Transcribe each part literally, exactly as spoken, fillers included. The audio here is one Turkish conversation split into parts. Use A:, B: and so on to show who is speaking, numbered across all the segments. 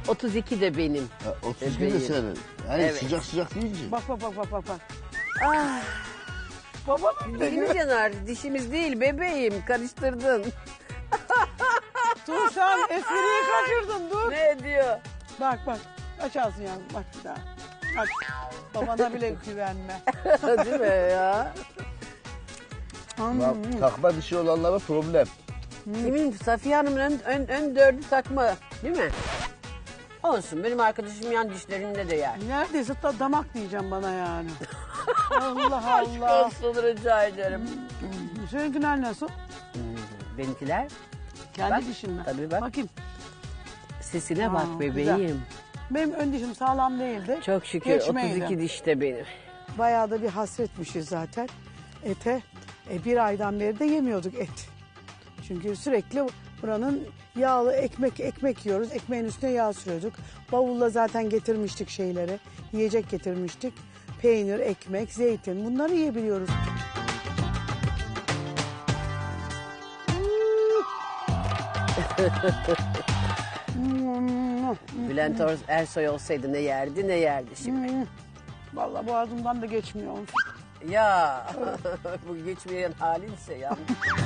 A: otuz iki de benim.
B: Ha, otuz iki de
A: Bebeğim.
B: senin. Yani
A: Evet.
B: sıcak sıcak deyince.
C: Bak bak bak bak bak. bak.
A: Ah,
C: Babanın
A: değil mi Caner? Dişimiz değil bebeğim. Karıştırdın.
C: Dur sen espriyi kaçırdın dur.
A: Ne diyor?
C: Bak bak. Aç ağzını yavrum bak bir daha. Aç. Babana bile güvenme.
A: Değil mi ya?
B: Bak, takma dişi olanlara problem.
A: Kimin? Safiye Hanım'ın ön, ön, ön dördü takma. Değil mi? Olsun. Benim arkadaşım yan dişlerinde de yer.
C: Neredeyse da damak diyeceğim bana yani. Allah
A: Aşk
C: Allah.
A: olsun rica ederim.
C: Seninkiler nasıl?
A: Benimkiler
C: Kendi
A: Bak,
C: dişin mi?
A: tabii bak.
C: Bakayım.
A: sesine
C: Aa,
A: bak bebeğim.
C: güzel. Benim ön dişim sağlam değildi.
A: Çok şükür
C: Geçmeydi.
A: otuz iki dişte benim.
C: Bayağı da bir hasretmişiz zaten ete. E, bir aydan beri de yemiyorduk et. Çünkü sürekli buranın yağlı ekmek ekmek yiyoruz. Ekmeğin üstüne yağ sürüyorduk. Bavulla zaten getirmiştik şeyleri. Yiyecek getirmiştik. Peynir, ekmek, zeytin bunları yiyebiliyoruz.
A: Bülent Or- Ersoy olsaydı ne yerdi ne yerdi şimdi.
C: Vallahi boğazımdan da geçmiyormuş.
A: Ya bu geçmeyen halinse ya.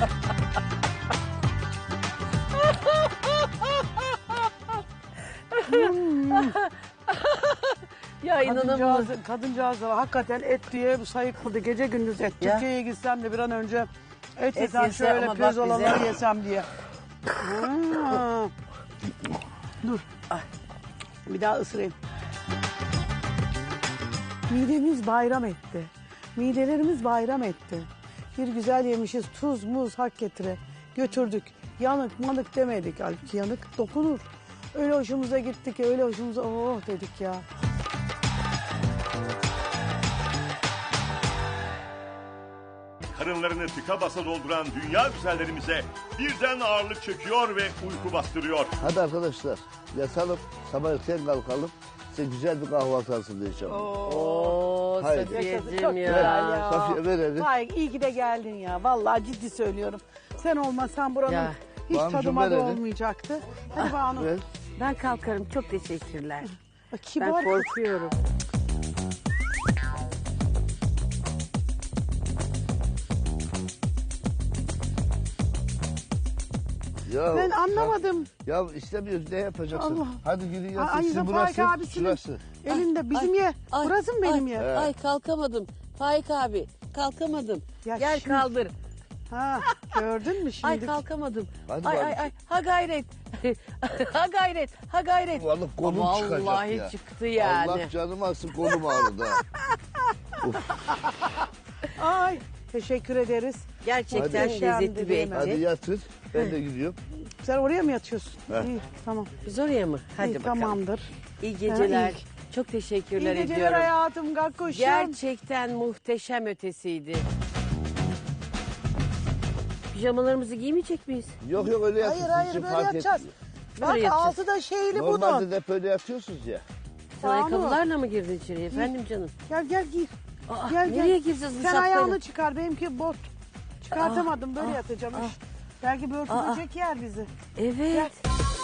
A: Ya inanamıyorum.
C: Kadıncağız, kadıncağız da hakikaten et diye sayıkladı. Gece gündüz et.
A: Ya.
C: Türkiye'ye gitsem de bir an önce et,
A: Et
C: yesem
A: yese
C: şöyle
A: ama bak
C: pirzolaları
A: bize-
C: yesem diye. Ha. Dur. Bir daha ısırayım. Midemiz bayram etti. Midelerimiz bayram etti. Bir güzel yemişiz tuz muz hak getire. Götürdük. Yanık manık demedik. Halbuki yanık dokunur. Öyle hoşumuza gittik ki öyle hoşumuza oh dedik ya.
D: Karınlarını tıka basa dolduran dünya güzellerimize birden ağırlık çöküyor ve uyku bastırıyor.
B: Hadi arkadaşlar yatalım. Sabah erken kalkalım. Size güzel bir kahvaltı hazırlayacağım.
A: Oo
B: Haydi.
A: Safiyeciğim
C: Çok
A: ya.
C: güzel ya.
B: Safiye, ver elini.
C: Vay iyi ki de geldin ya. Vallahi ciddi söylüyorum. Sen olmasan buranın
A: Ya.
C: hiç
B: Banucuğum,
C: tadıma
B: ver
C: da
B: elini.
C: olmayacaktı. Hadi Banu.
B: Ver.
A: Ben kalkarım çok teşekkürler.
C: Bak,
A: Ben
C: Kibar.
A: korkuyorum.
B: Ya,
C: Ben anlamadım.
B: Ya istemiyoruz ne yapacaksın?
C: Allah.
B: Hadi gidin yatın.
C: Ay,
B: Sizin
C: Faik
B: burası,
C: abisinin
B: şurası.
C: elinde bizim
A: Ay,
C: ye.
A: ay,
C: Burası mı benim
A: ay,
C: ye?
A: Ay kalkamadım. Faik abi kalkamadım.
C: Ya
A: Gel
C: şimdi-
A: kaldır.
C: Ha, gördün mü şimdi?
A: Ay kalkamadım.
B: Hadi
A: ay
B: bak.
A: ay ay ha gayret. ha gayret. Ha gayret.
B: Vallahi kolum
A: Vallahi
B: çıkacak ya.
A: çıktı yani.
B: Allah canımı alsın kolum ağrıdı. ha.
C: Ay teşekkür ederiz.
A: Gerçekten
C: Hadi.
A: lezzetli bir
C: Hadi
B: Hadi
A: etçi.
B: yatın. Ben de gidiyorum.
C: Sen oraya mı yatıyorsun?
B: He.
C: İyi tamam.
A: Biz oraya mı? Hadi
C: İyi,
A: bakalım.
C: tamamdır.
A: İyi geceler.
C: Ha,
A: Çok teşekkürler
C: İyi geceler
A: ediyorum.
C: hayatım Gakkuşum.
A: Gerçekten muhteşem ötesiydi. Pijamalarımızı giymeyecek miyiz?
B: Yok yok öyle yatın.
C: Hayır
B: Sizin
C: hayır
B: için
C: böyle
B: fark
C: yatacağız.
B: etmiyor.
C: Bak
A: Böyle yatacağız.
C: altı da şeyli
B: Normalde
C: bunun.
B: de hep öyle yatıyorsunuz ya.
A: Sen
C: Banu.
A: ayakkabılarla mı girdin içeriye efendim canım?
C: Gel gel gir.
A: Aa,
C: Gel gel.
A: nereye gireceğiz bu
C: Sen
A: şapkayla?
C: ayağını çıkar benimki bot. Çıkartamadım böyle
A: ah,
C: yatacağım.
A: ah.
C: iş. Belki börtü
A: Aa.
C: böcek yer bizi.
A: Evet.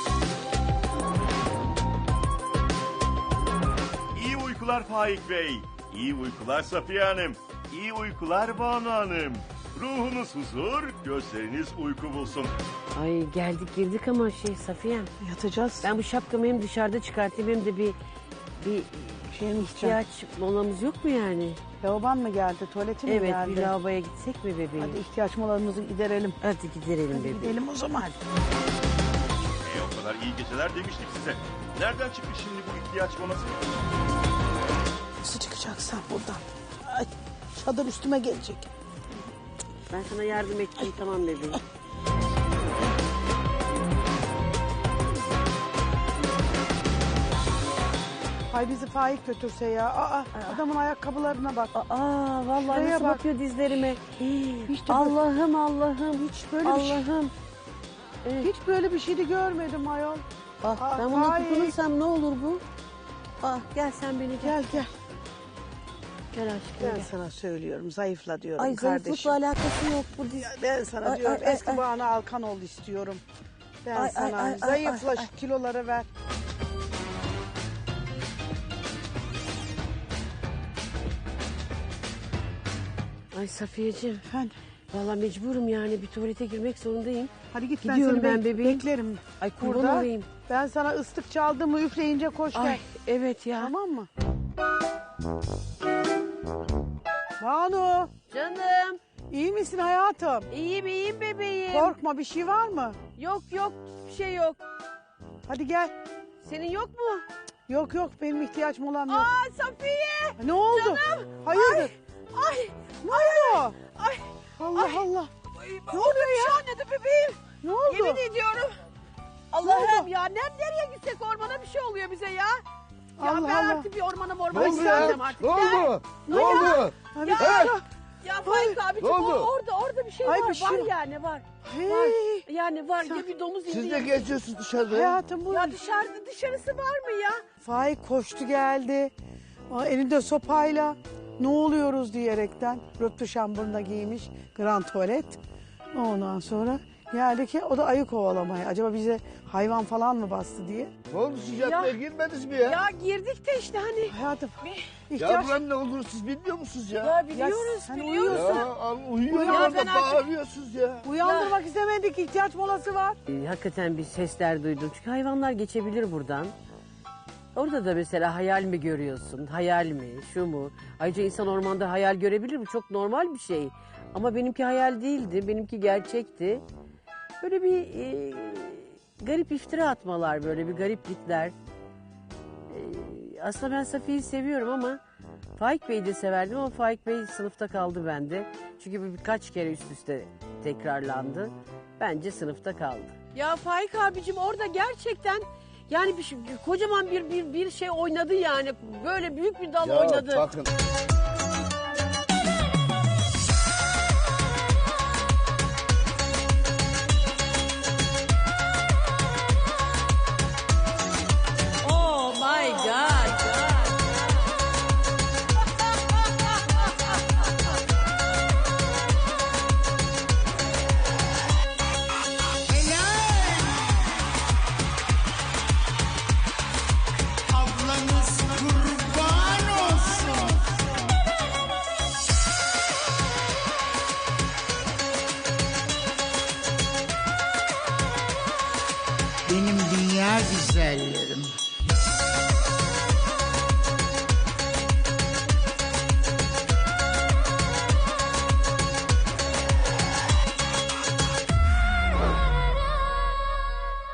D: İyi uykular Faik Bey. İyi uykular Safiye Hanım. İyi uykular Banu Hanım. Ruhunuz huzur, gözleriniz uyku bulsun.
A: Ay geldik girdik ama şey Safiye'm.
C: Yatacağız.
A: Ben bu şapkamı hem dışarıda çıkartayım hem de bir bir
C: Şey mi
A: ihtiyaç molamız yok mu yani?
C: Lavaban mı geldi? Tuvaleti mi
A: Evet
C: geldi?
A: bir lavaboya gitsek mi bebeğim?
C: Hadi ihtiyaç molamızı giderelim.
A: Hadi gidelim bebeğim.
C: Gidelim o zaman.
D: E o kadar iyi geceler demiştik size. Nereden çıktı şimdi bu ihtiyaç molası?
C: Nasıl çıkacaksın buradan? Ay, çadır üstüme gelecek.
A: Ben sana yardım edeceğim tamam bebeğim.
C: Hay bizi Faik götürse ya. Aa, adamın ayakkabılarına bak.
A: Aa vallahi
C: Şuraya
A: nasıl
C: bak.
A: bakıyor dizlerime. Hii,
C: Hiç de böyle-
A: Allah'ım Allah'ım.
C: Hiç böyle bir şey,
A: Allah'ım. Evet.
C: hiç böyle bir şey de görmedim ayol.
A: Ah,
C: Aa,
A: ben buna
C: Faik.
A: tutunursam ne olur bu? Ah gel sen beni gel.
C: Gel gel.
A: Gel aşkım
C: Ben
A: gel.
C: sana söylüyorum zayıfla diyorum
A: Ay
C: kardeşim.
A: zayıflıkla alakası yok bu diz.
C: Ben sana
A: Ay,
C: diyorum
A: ay, ay,
C: eski
A: ay.
C: Banu Alkan ol istiyorum. Ben
A: Ay, ay,
C: sana
A: ay, ay,
C: zayıfla
A: ay,
C: şu
A: ay.
C: kiloları ver.
A: Ay Safiyeciğim.
C: Efendim.
A: Vallahi mecburum yani bir tuvalete girmek zorundayım.
C: Hadi git
A: Gidiyorum
C: ben seni
A: ben
C: bek-
A: bebeğim.
C: beklerim.
A: Ay kurban
C: Burada.
A: olayım.
C: Ben sana ıslık çaldım mı üfleyince koş gel.
A: Ay evet ya.
C: Tamam mı? Banu,
A: Canım.
C: iyi misin hayatım?
A: İyiyim iyiyim bebeğim.
C: Korkma, bir şey var mı?
A: Yok yok bir şey yok.
C: Hadi gel.
A: Senin yok mu?
C: Yok yok, benim ihtiyaç molam yok.
A: Aa Safiye.
C: Ne oldu?
A: Canım.
C: Hayırdır?
A: Ay.
C: Ne oldu?
A: Ay.
C: Allah
A: Ay.
C: Allah.
A: Ne oluyor ya? Bir şey oynadı bebeğim.
C: Ne oldu?
A: Yemin ediyorum. Allah'ım ya ne, nereye gitsek ormana bir şey oluyor bize ya. Ya
C: Allah
A: ben
C: Allah.
A: artık bir ormana
B: Ne
A: mormana
B: oldu ya?
A: gideceğim artık.
B: Ne
A: Gel.
B: oldu? Ne
C: Ya.
B: oldu?
C: Hadi
A: Ya,
C: gel.
A: ya Faik abiciğim
B: ne oldu?
A: o- orada orada bir şey
C: Ay,
A: var.
C: bir şey
A: var
C: var.
A: yani var.
C: Hey.
A: Var. Yani var ya bir domuz indi.
B: Siz de
A: ya.
B: geziyorsunuz dışarıda.
C: Hayatım bu.
A: Ya dışarıda dışarısı var mı ya?
C: Faik koştu geldi. Aa, elinde sopayla ne oluyoruz diyerekten röptü şambırına giymiş grand tuvalet. Ondan sonra geldi ki o da ayı kovalamaya. Acaba bize hayvan falan mı bastı diye.
B: Ne oldu siz yatmaya
A: Ya.
B: girmediniz mi ya? Ya,
A: Ya girdik de işte hani.
C: Hayatım
A: Bir-
C: ihtiyaç...
B: buranın ne olduğunu siz bilmiyor musunuz ya?
A: Ya biliyoruz
C: sen
A: biliyoruz.
C: uyuyorsun.
B: Ya al, uyuyor
C: Ya
B: orada
A: ben artık-
B: bağırıyorsunuz ya.
C: Uyandırmak istemedik, ihtiyaç molası var.
A: Ee, hakikaten bir sesler duydum. Çünkü hayvanlar geçebilir buradan. Orada da mesela hayal mi görüyorsun? Hayal mi? Şu mu? Ayrıca insan ormanda hayal görebilir mi? Çok normal bir şey. Ama benimki hayal değildi. Benimki gerçekti. Böyle bir e, garip iftira atmalar, böyle bir gariplikler. E, aslında ben Safiye'yi seviyorum ama Faik Bey'i de severdim ama Faik Bey sınıfta kaldı bende. Çünkü bu birkaç kere üst üste tekrarlandı. Bence sınıfta kaldı. Ya Faik abicim orada gerçekten yani bir şey- kocaman bir bir bir şey oynadı yani. Böyle büyük bir dal
B: Ya
A: oynadı.
B: bakın.
A: Oh my god.
E: Ablanız kurban olsun. Benim dünya güzellerim.